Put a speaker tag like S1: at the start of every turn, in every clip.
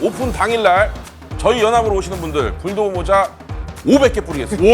S1: 오픈 당일날 저희 연합으로 오시는 분들 불도그 모자 500개 뿌리겠습니다.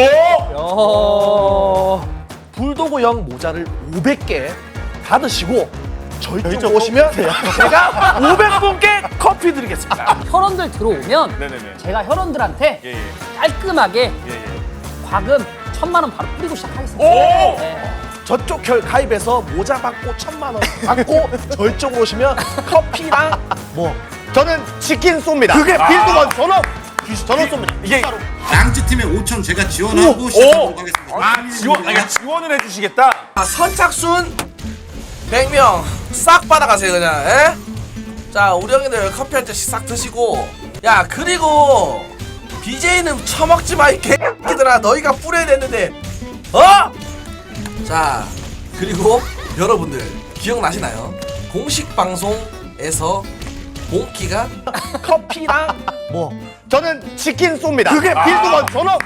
S2: 불도그형 모자를 500개 받으시고 저희 쪽 오시면 제가 500분께 커피 드리겠습니다.
S3: 혈원들 들어오면
S1: 네네네.
S3: 제가 혈원들한테
S1: 예, 예.
S3: 깔끔하게
S1: 예, 예.
S3: 과금 1000만 원 바로 뿌리고 시작하겠습니다.
S1: 오!
S3: 네.
S2: 저쪽 혈 가입해서 모자 받고 1000만 원 받고 저희 쪽으로 오시면 커피랑 뭐
S4: 저는 치킨 쏩니다.
S2: 그게 빌드원 전업
S4: 쏩니다.
S1: 이게
S5: 양지 팀의 5천 제가 지원하고 시작하도록 하겠습니다.
S1: 지원을 해주시겠다.
S6: 선착순 100명 싹 받아가세요 그냥. 에? 자 우리 형님들 커피 한 잔씩 싹 드시고. 야 그리고 BJ는 처먹지마 이 개새끼들아. 너희가 뿌려야 되는데 어? 자 그리고 여러분들 기억나시나요? 공식 방송에서 몽키가
S2: 커피랑 뭐
S4: 저는 치킨 쏩니다.
S2: 그게 빌드원 전업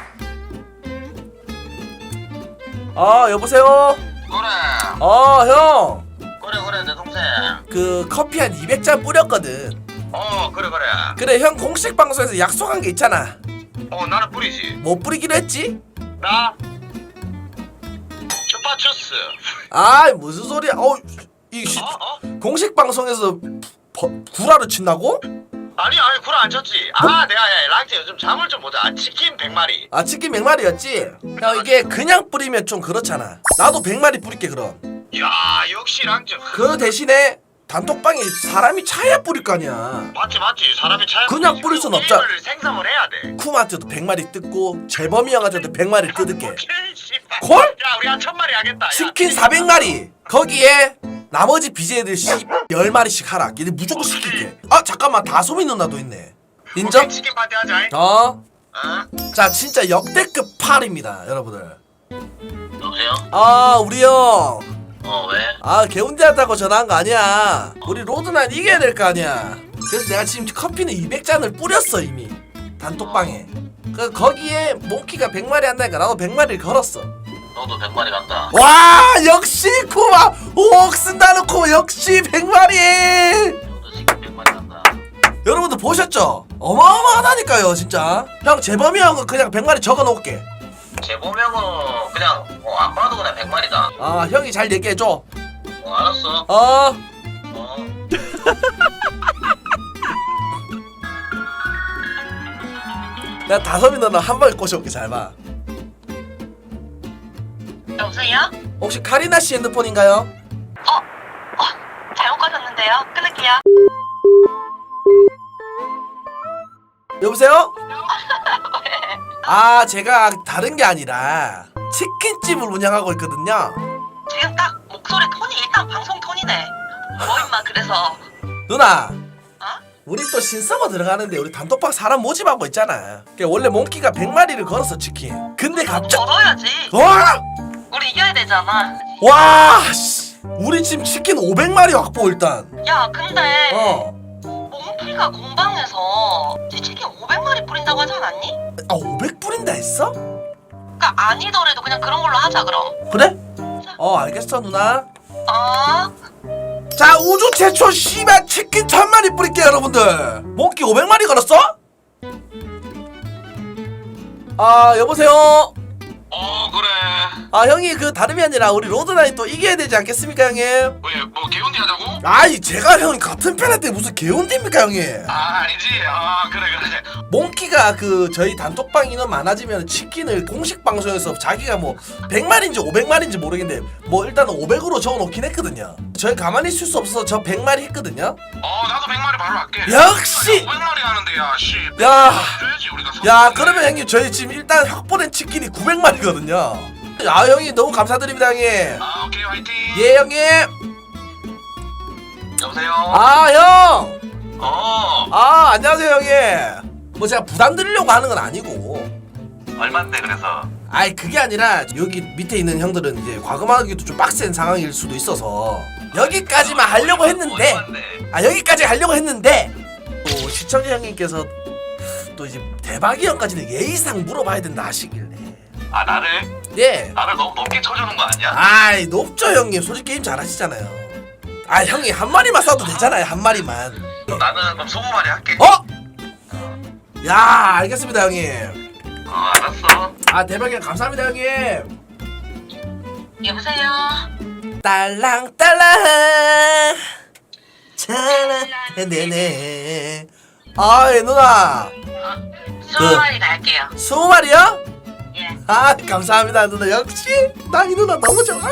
S6: 여보세요?
S7: 그래
S6: 형
S7: 그래 내 동생
S6: 그 커피 한 200잔 뿌렸거든.
S7: 그래
S6: 그래 형 공식 방송에서 약속한 게 있잖아.
S7: 나는 뿌리지
S6: 못 뿌리기로 했지?
S7: 나 쭈파추스
S6: 무슨 소리야? 이 공식 방송에서 구라를 친다고?
S7: 아니 구라 안 쳤지 내가 랑제 요즘 잠을 좀 보자 치킨 100마리
S6: 치킨 100마리였지? 형 이게 그냥 뿌리면 좀 그렇잖아. 나도 100마리 뿌릴게 그럼.
S7: 야 역시 랑제
S6: 그 대신에 단톡방에 사람이 차야 뿌릴 거 아니야.
S7: 맞지 사람이 차야
S6: 그냥 뿌릴 순 없잖아.
S7: 게임을 생성을 해야 돼
S6: 쿠마한테도 100마리 뜯고 재범이 형한테도 100마리 뜯을게.
S7: 콜? 야 우리 한 1000마리 하겠다
S6: 치킨 400마리 거기에 나머지 BJ들 10마리씩 하라. 얘네 무조건 시킬게. 잠깐만 다솜이 누나도 있네. 인정?
S7: 치킨 파티 하자
S6: 자 진짜 역대급 팔입니다 여러분들.
S7: 여보세요?
S6: 우리 형
S7: 왜?
S6: 개운대하다고 전화한 거 아니야. 우리 로드난 이겨야 될 거 아니야. 그래서 내가 지금 커피는 200잔을 뿌렸어 이미 단톡방에. 거기에 몽키가 100마리 한다니까 나도 100마리를 걸었어.
S7: 너도 100마리 간다
S6: 와 역시 쿠마 옥 쓴다놓고 역시 100마리.
S7: 너도 치킨 100마리 간다
S6: 여러분들 보셨죠? 어마어마하다니까요 진짜. 형 재범이 형은 그냥 100마리 적어놓을게.
S7: 재보명은 그냥 안 봐도 그냥 100마리다
S6: 형이 잘 얘기해줘.
S7: 알았어
S6: 내가 다솜이 누나 한 방에 꼬셔올게. 잘 봐.
S8: 여보세요?
S6: 혹시 카리나 씨 핸드폰인가요?
S8: 잘못 가셨는데요? 끊을게요.
S6: 여보세요? 제가 다른 게 아니라 치킨집을 운영하고 있거든요.
S8: 지금 딱 목소리 톤이 일단 방송 톤이네. 뭐 임마 그래서
S6: 누나 우리 또 신서버 들어가는데 우리 단톡방 사람 모집하고 있잖아. 원래 몽키가 100마리를 걸었어 치킨. 근데 갑자기
S8: 걸어야지.
S6: 와!
S8: 우리 이겨야 되잖아.
S6: 와! 씨. 우리 지금 치킨 500마리 확보 일단.
S8: 야 근데
S6: 어.
S8: 몽키가 공방에서 네 치킨 500마리 뿌린다고 하지 않았니?
S6: 500 뿌린다 했어?
S8: 그니까 아니더라도 그냥 그런 걸로 하자 그럼.
S6: 그래? 알겠어 누나. 자 우주 최초 씨발 치킨 1000마리 뿌릴게요 여러분들. 몽키 500마리 걸었어? 여보세요?
S7: 그래
S6: 형이 그 다름이 아니라 우리 로드나인 또 이겨야 되지 않겠습니까 형님?
S7: 왜 뭐 개운디 하자고?
S6: 제가 형 같은 편한테 무슨 개운입니까 형님?
S7: 아니지 그래
S6: 몽키가 그 저희 단톡방 인원 많아지면 치킨을 공식 방송에서 자기가 뭐 100마리인지 500마리인지 모르겠는데 뭐 일단은 500으로 적어놓긴 했거든요. 저희 가만히 있을 수 없어서 저 100마리 했거든요.
S7: 나도 100마리 바로 할게
S6: 역시!
S7: 500마리 하는데 줘야지 우리가
S6: 그러면 형님 저희 지금 일단 확보된 치킨이 900마리거든요. 형님 너무 감사드립니다 형님.
S7: 오케이 화이팅
S6: 예 형님.
S7: 여보세요
S6: 형. 안녕하세요 형님. 뭐 제가 부담 드리려고 하는 건 아니고.
S7: 얼만데 그래서
S6: 그게 아니라 여기 밑에 있는 형들은 이제 과금하기도 좀 빡센 상황일 수도 있어서 여기까지만 하려고 했는데 여기까지 하려고 했는데 또 시청자 형님께서 또 이제 대박이 형까지는 예의상 물어봐야 된다 하시길래
S7: 나를?
S6: 예.
S7: 나를 너무 높게 쳐주는 거 아니야?
S6: 높죠 형님. 솔직히 게임 잘하시잖아요. 형이 한 마리만 쏴도 되잖아요. 한 마리만.
S7: 나는 그럼 20마리 할게
S6: 야 알겠습니다 형님.
S7: 알았어.
S6: 아 대박이야 감사합니다 형님.
S8: 여보세요.
S6: 딸랑딸랑 잘라 네네. 아이 누나
S8: 20마리 갈게요.
S6: 20마리요?
S8: 예.
S6: 아 감사합니다 누나. 역시 나 이 누나 너무 좋아.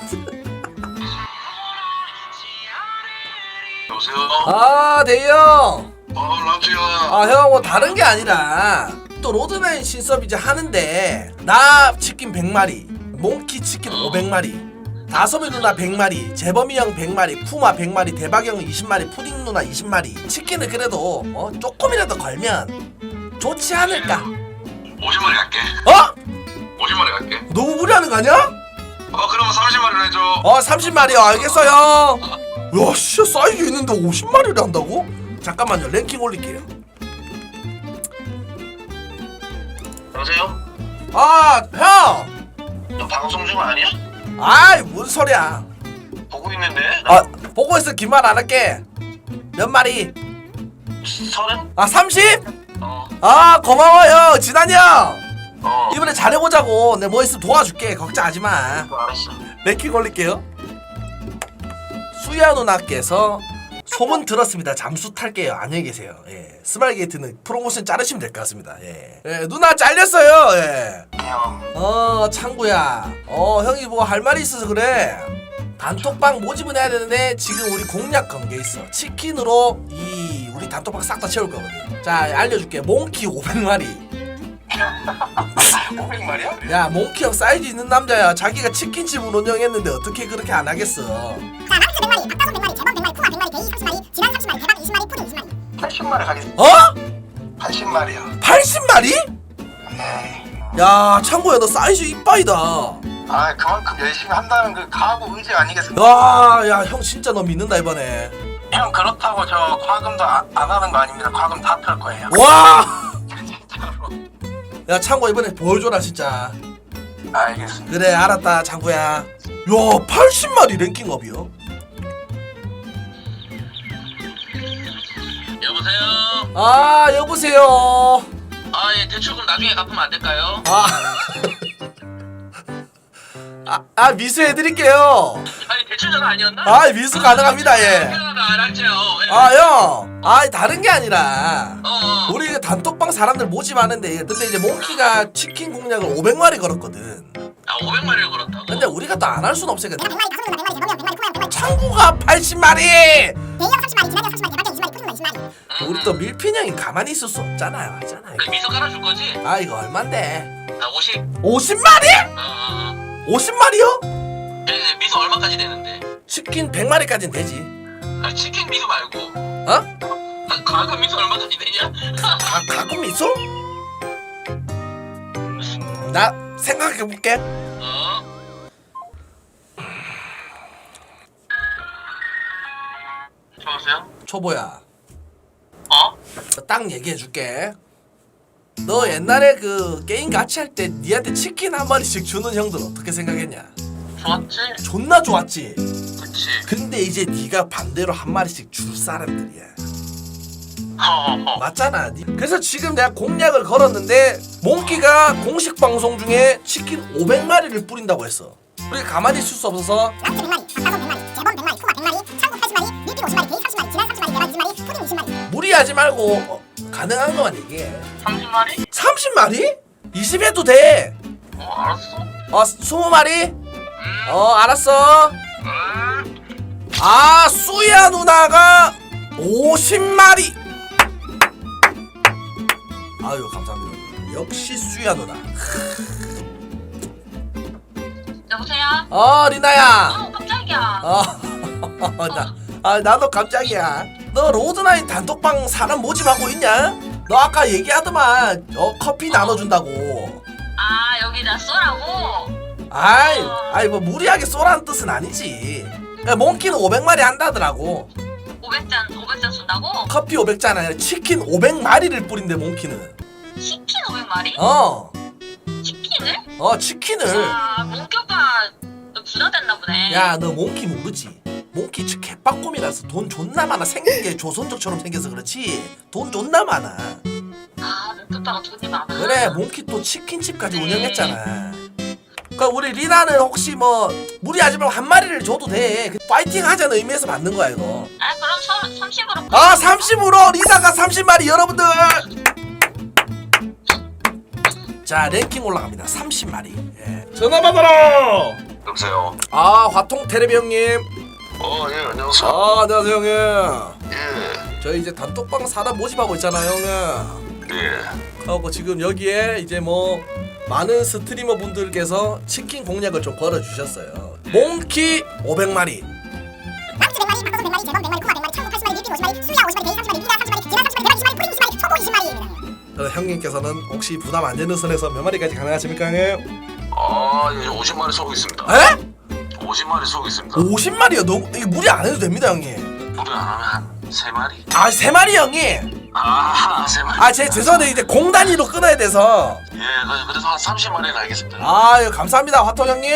S7: 여보세요?
S6: 아 대형.
S7: 랑주야.
S6: 아 형 뭐 다른 게 아니라 또 로드나인 신섭 이제 하는데 나 치킨 100마리, 몽키 치킨 500마리, 다솜이 누나 100마리, 재범이 형 100마리, 쿠마 100마리, 대박 형 20마리, 푸딩 누나 20마리. 치킨을 그래도 조금이라도 걸면 좋지 않을까?
S7: 50마리 갈게.
S6: 어?
S7: 50마리 갈게.
S6: 너무 무리하는 거 아니야?
S7: 그러면 30마리로 해줘.
S6: 30마리요. 알겠어요. 야, 씨, 사이즈 있는데 50마리를 한다고? 잠깐만요. 랭킹 올릴게요.
S7: 여보세요?
S6: 아, 형!
S7: 너 방송 중 아니야?
S6: 아이, 뭔 소리야.
S7: 보고 있는데?
S6: 보고 있어. 긴 말 안 할게. 몇 마리?
S7: 30?
S6: 30?
S7: 어.
S6: 고마워요. 진한이 형!
S7: 어.
S6: 이번에 잘해보자고. 내가 뭐 있으면 도와줄게. 걱정하지 마.
S7: 알았어.
S6: 랭킹 올릴게요. 수야 누나께서 소문 들었습니다. 잠수 탈게요. 안녕히 계세요. 예. 스마일게이트는 프로모션 자르시면 될 것 같습니다. 예. 누나 잘렸어요. 예. 창구야. 형이 뭐 할 말이 있어서 그래. 단톡방 모집은 해야 되는데 지금 우리 공략 건 게 있어. 치킨으로 우리 단톡방 싹 다 채울 거거든. 자, 알려줄게. 몽키 500마리.
S7: 500마리야?
S6: 야, 몽키 형 사이즈 있는 남자야. 자기가 치킨집을 운영했는데 어떻게 그렇게 안 하겠어?
S9: 자, 랑스 100마리, 박다솜 100마리, 재범 100마리, 쿠마 100마리, 데이 30마리, 지난 30마리, 대박 20마리, 푸딩 20마리.
S7: 80마리 가겠습니다. 80마리야.
S6: 80마리?
S7: 네.
S6: 야, 창구야, 너 사이즈 이빠이다.
S7: 그만큼 열심히 한다는 그 각오 의지 아니겠습니까?
S6: 야, 형 진짜 너 믿는다 이번에.
S7: 형 그렇다고 저 과금도 안 하는 거 아닙니다. 과금 다 풀 거예요.
S6: 와!
S7: 진짜로.
S6: 야, 창구 이번에 보여줘라 진짜.
S7: 알겠습니다.
S6: 그래, 알았다, 창구야. 야, 80마리 랭킹업이요?
S7: 여보세요?
S6: 여보세요.
S7: 예, 대출금 나중에 갚으면 안 될까요?
S6: 미수해드릴게요.
S7: 아니 대출 전화 아니었나?
S6: 미수 가능합니다, 예.
S7: 알았죠.
S6: 형. 다른 게 아니라.
S7: 어.
S6: 우리 그 단톡방 사람들 모집하는데 근데 이제 몽키가 치킨 공략을 500마리 걸었거든.
S7: 500마리를 걸었다고?
S6: 근데 우리가 또 안 할 순 없으니까.
S9: 내가 100마리, 다솜 누나 100마리, 재범이 형 100마리, 쿠마 형 100마리,
S6: 창구가 80마리!
S9: 데이 형 30마리, 지난 형 30마리, 대박 형 20마리, 푸딩 20마리.
S6: 우리 또 밀핀 형이 가만히 있을 수 없잖아요. 맞잖아요.
S7: 그 미소 깔아줄 거지?
S6: 이거 얼만데?
S7: 50.
S6: 50마리?
S7: 어.
S6: 50마리요?
S7: 네, 미소 얼마까지 되는데?
S6: 치킨 100마리까지는 되지.
S7: 치킨 미소 말고.
S6: 어?
S7: 과금 미소 얼마까지 되냐?
S6: 가끔 있어? 나 생각해볼게.
S7: 여보세요?
S6: 초보야.
S7: 어?
S6: 딱 얘기해줄게. 너 옛날에 그 게임 같이 할 때 니한테 치킨 한 마리씩 주는 형들 어떻게 생각했냐?
S7: 좋았지?
S6: 존나 좋았지?
S7: 그치.
S6: 근데 이제 네가 반대로 한 마리씩 줄 사람들이야.
S7: 허허허.
S6: 맞잖아. 그래서 지금 내가 공략을 걸었는데 몽키가 공식 방송 중에 치킨 500마리를 뿌린다고 했어. 우리 가만히 있을 수 없어서
S9: 랑스 100마리, 박다솜 100마리, 재범 100마리, 쿠마 100마리, 창구 80마리, 밀핀 50마리, 데이 30마리, 지난 30마리, 대박 20마리, 푸딩 20마리.
S6: 무리하지 말고 가능한 것만 얘기해.
S7: 30마리?
S6: 30마리? 20해도 돼.
S7: 알았어.
S6: 20마리? 알았어. 수야 누나가 50마리. 아유 감사합니다. 역시 수야 누나.
S8: 여보세요?
S6: 리나야.
S8: 깜짝이야.
S6: 나도 깜짝이야. 너 로드나인 단톡방 사람 모집하고 있냐? 너 아까 얘기하더만 커피 나눠준다고.
S8: 여기 나 쏘라고?
S6: 아이 뭐 무리하게 쏘라는 뜻은 아니지. 그러니까 몽키는 500마리 한다더라고.
S8: 500잔 쏜다고?
S6: 커피 500잔 아니라 치킨 500마리를 뿌린대 몽키는.
S8: 치킨 500마리? 치킨을?
S6: 치킨을.
S8: 몽키 오빠 너 부자됐나 보네.
S6: 야, 너 몽키 모르지? 몽키 개빡꼼이라서 돈 존나 많아. 생긴 게 조선족처럼 생겨서 그렇지 돈 존나 많아.
S8: 줬다가 돈이 많아.
S6: 그래 몽키 또 치킨집까지 운영했잖아. 그러니까 우리 리나는 혹시 뭐 무리하지 말고 한 마리를 줘도 돼. 파이팅 하자는 의미에서 받는 거야 이거.
S8: 아 그럼 30으로.
S6: 아 30으로 리나가 30마리 여러분들. 자 랭킹 올라갑니다. 30마리. 예.
S2: 전화 받아라.
S7: 여보세요.
S6: 아 화통 테레비 형님.
S7: 예, 안녕하세요.
S6: 아 안녕하세요 형님.
S7: 예,
S6: 저희 이제 단톡방 사람 모집하고 있잖아요 형님.
S7: 예.
S6: 하고 지금 여기에 이제 뭐 많은 스트리머 분들께서 치킨 공략을 좀 걸어주셨어요. 몽키 500마리.
S9: 랑치 100마리, 박도수 100마리, 재범 100마리, 코아 100마리, 창구 80마리, 밀필 50마리, 수야 50마리, 데이 30마리, 미나 30마리, 지나 30마리, 대박 20마리, 푸딩 20마리, 초보 20마리.
S6: 그럼 형님께서는 혹시 부담 안 되는 선에서 몇 마리까지 가능하십니까 형님?
S7: 이제 50마리 쏘고 있습니다.
S6: 에?
S7: 50마리 쏘고 있습니다.
S6: 50마리요? 너무 이게 무리 안 해도 됩니다 형님.
S7: 무리 안 하면 한 3마리?
S6: 아 3마리 형님.
S7: 3마리.
S6: 아 제 죄송한데 이제 공 단위로 끊어야 돼서.
S7: 예, 그래서 한 30마리는 알겠습니다.
S6: 아유 감사합니다 화통 형님.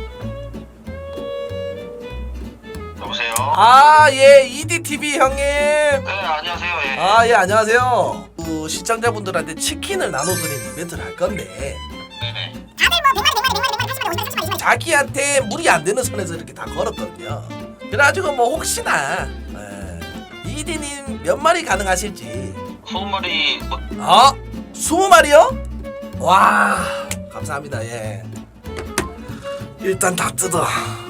S7: 여보세요?
S6: 예 EDTV 형님.
S7: 네, 안녕하세요. 예.
S6: 예 안녕하세요. 시청자분들한테 치킨을 나눠드리는 이벤트를 할 건데
S7: 네네.
S9: 다들 뭐 100마리, 100마리, 100마리, 100마리, 30마리, 50마리, 30마리.
S6: 자기한테 무리 안 되는 선에서 이렇게 다 걸었거든요. 그래가지고 뭐 혹시나 이디님 몇 마리 가능하실지.
S7: 20마리 뭐
S6: 20마리요? 와 감사합니다. 예 일단 다 뜯어.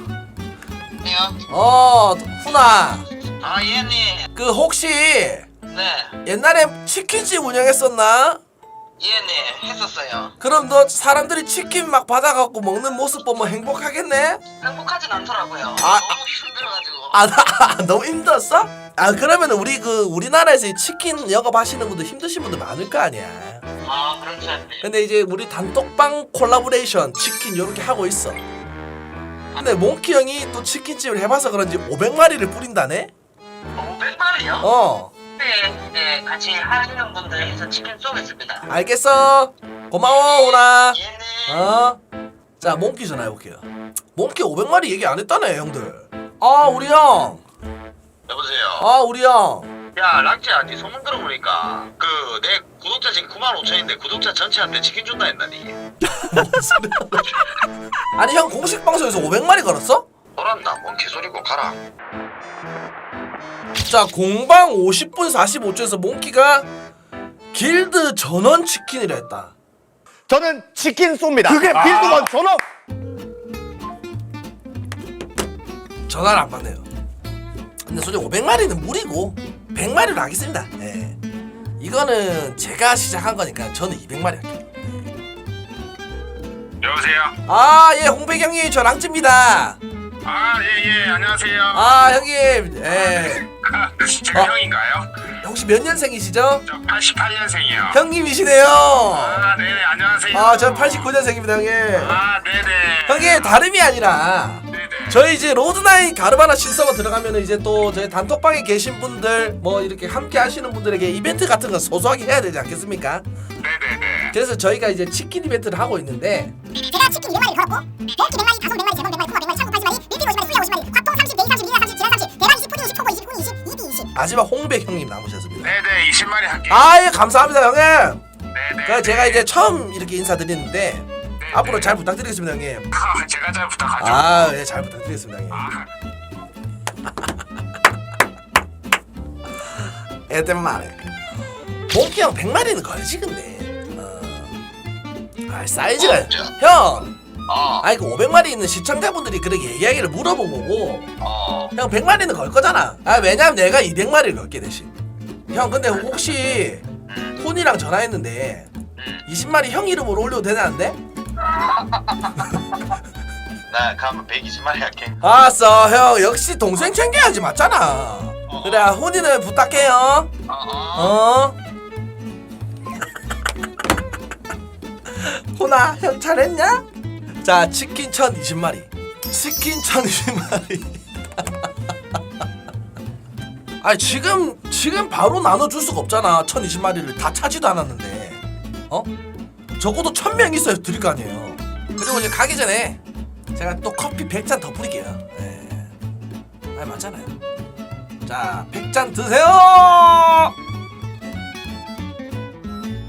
S7: 네요.
S6: 훈아
S7: 예님.
S6: 그 혹시
S7: 네.
S6: 옛날에 치킨집 운영했었나?
S7: 예님. 했었어요.
S6: 그럼 너 사람들이 치킨 막 받아갖고 먹는 모습 보면 행복하겠네?
S7: 행복하진 않더라고요.
S6: 아,
S7: 너무 힘들어가지고.
S6: 나 너무 힘들었어? 그러면 우리나라에서 이 치킨 영업하시는 분들 힘드신 분들 많을 거 아니야.
S7: 그렇지 않네.
S6: 근데 이제 우리 단톡방 콜라보레이션 치킨 요렇게 하고 있어. 근데 몽키 형이 또 치킨집을 해봐서 그런지 500마리를 뿌린다네?
S7: 500마리요? 네, 같이 하시는 분들 해서 치킨 쏘겠습니다.
S6: 알겠어. 고마워 오나.
S7: 예님.
S6: 자 몽키 전화해볼게요. 몽키 500마리 얘기 안 했다네 형들. 우리 형.
S7: 여보세요.
S6: 우리 형.
S7: 야, 랑찌야, 니 소문 들어보니까 내 구독자 지금 95,000인데 구독자 전체한테 치킨 준다 했나니?
S6: 아니 형 공식 방송에서 500마리 걸었어?
S7: 뭐란다, 뭔 개소리고 가라.
S6: 자 공방 50분 45초에서 몽키가 길드 전원 치킨이라 했다.
S4: 저는 치킨 쏩니다.
S2: 그게
S4: 빌드원 전원.
S6: 전화를 안 받네요. 근데 솔직히 500마리는 무리고 100마리로 하겠습니다. 예. 이거는 제가 시작한 거니까 저는 200마리 할게요.
S7: 여보세요?
S6: 예 홍백 형님 저 랑찌입니다.
S7: 예, 안녕하세요.
S6: 형님
S7: 제가 형인가요?
S6: 혹시 몇 년생이시죠?
S7: 저 88년생이요.
S6: 형님이시네요.
S7: 네네, 안녕하세요.
S6: 저 89년생입니다 형님.
S7: 네네.
S6: 형님 다름이 아니라 저희 이제 로드나인 가르바나 신서버 들어가면 이제 또 저희 단톡방에 계신 분들 뭐 이렇게 함께 하시는 분들에게 이벤트 같은 거 소소하게 해야 되지 않겠습니까?
S7: 네네네.
S6: 그래서 저희가 이제 치킨 이벤트를 하고 있는데
S9: 제가 치킨 200마리 걸었고 몽키 100마리, 다솜 100마리, 재범 100마리, 코아 100마리, 창구 80마리, 밀필 50마리, 수야 50마리, 화통 30, 데이 30, 미나 30, 지나 30, 대박 20, 푸딩 20, 초보 20, 훈 20, 이디 20.
S6: 마지막 홍백 형님 남으셨습니다.
S7: 네네, 20마리 할게요.
S6: 예 감사합니다 형님.
S7: 네네.
S6: 그 제가 이제 처음 이렇게 인사드리는데 앞으로 잘 부탁드리겠습니다 형님.
S7: 제가 잘 부탁하죠.
S6: 예 잘 부탁드리겠습니다 형님. 애들 말해. 몽키 형 100마리는 걸지 근데. 사이즈가 형. 아니 그 500마리 있는 시청자분들이 그렇게 얘기하기를 물어본 거고 형 100마리는 걸 거잖아. 왜냐면 내가 200마리를 걸게 대신. 형 근데 혹시 폰이랑 전화했는데 20마리 형 이름으로 올려도 되나는데?
S7: 나 그러면 120마리 할게.
S6: 알았어 형 역시 동생 챙겨야지 맞잖아. 그래 혼이는 부탁해요. 혼아 형 잘했냐? 자 치킨 1020마리 치킨 1020마리 아니 지금 바로 나눠줄 수가 없잖아. 1020마리를 다 차지도 않았는데 적어도 1000명 있어야 드릴 거 아니에요. 그리고 이제 가기 전에 제가 또 커피 100잔 더 뿌릴게요. 맞잖아요. 자 100잔 드세요.